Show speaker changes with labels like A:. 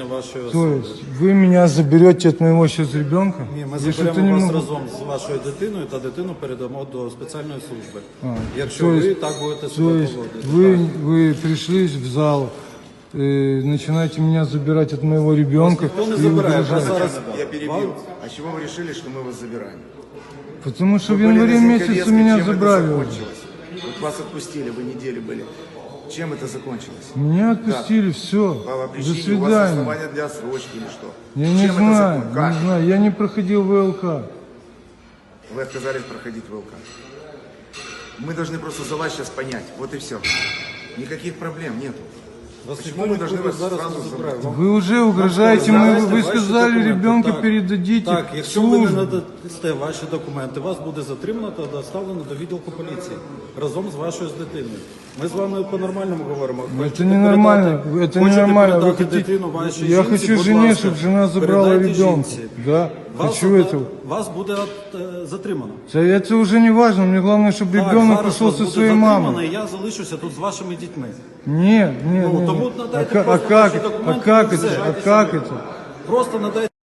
A: вашої
B: То
A: особи.
B: есть вы меня заберете от моего сейчас ребенка?
A: Ні, ми
B: Я что-то
A: заберемо
B: не
A: вас
B: могу.
A: разом з вашою дитиною та дитину передамо до спеціальної служби. Якщо
B: то
A: ви
B: есть-
A: так будете
B: То
A: себе
B: есть
A: поводити.
B: вы пришли в зал, начинаете меня забирать от моего ребенка
A: Ніхто не
B: и
A: забирає.
B: угрожаете.
A: Зараз
C: Я перебил. А чего вы решили, что мы вас забираем?
B: Потому что в
C: Вы были
B: январе
C: на
B: месяце
C: Зинковецкой,
B: меня
C: чем это
B: забрали уже.
C: закончилось? Вот вас отпустили, вы неделю были. Чем это закончилось?
B: Меня отпустили, все.
C: По
B: До
C: причине, у вас
B: свидания.
C: основания для отсрочки или что?
B: Я не
C: Чем это
B: знаю,
C: закон- Как?
B: не знаю. Я не проходил ВЛК.
C: Вы отказались проходить ВЛК. Мы должны просто за вас сейчас понять. Вот и все. Никаких проблем нету.
A: вас
C: Почему
A: ніхто
C: мы должны
A: нікуди
C: вас
A: зараз
C: сразу
A: не забирає.
C: забрать?
B: Вы уже угрожаете,
A: Давайте
B: вы
A: ваші
B: сказали,
A: документи.
B: ребенка
A: Так.
B: передадите
A: Так,
B: в
A: якщо ви не
B: службу.
A: надасте ваші документи, вас буде затримано та доставлено до відділку поліції разом з вашою дитиною. Ми з вами по-нормальному говоримо. Хочете
B: Это ненормально,
A: передати-
B: это
A: хочете
B: ненормально. Вы
A: передати
B: хотите...
A: дитину вашій
B: Я
A: жінці,
B: хочу
A: будь
B: жене,
A: ласка,
B: чтобы жена забрала
A: передайте
B: ребенка.
A: жінці.
B: Да,
A: Вас,
B: хочу этого.
A: вас буде затримано.
B: Это уже не важно, мне главное, чтобы
A: Так,
B: ребенок
A: зараз
B: пришел
A: вас
B: со
A: буде
B: своей
A: затримано,
B: мамой.
A: і я залишуся тут з вашими дітьми.
B: Нет, нет,
A: Ну,
B: нет.
A: тому
B: нет.
A: надайте
B: А
A: просто
B: как,
A: ваші
B: а
A: документи,
B: как
A: і
B: это?
A: все.
B: А как это?
A: Просто надайте.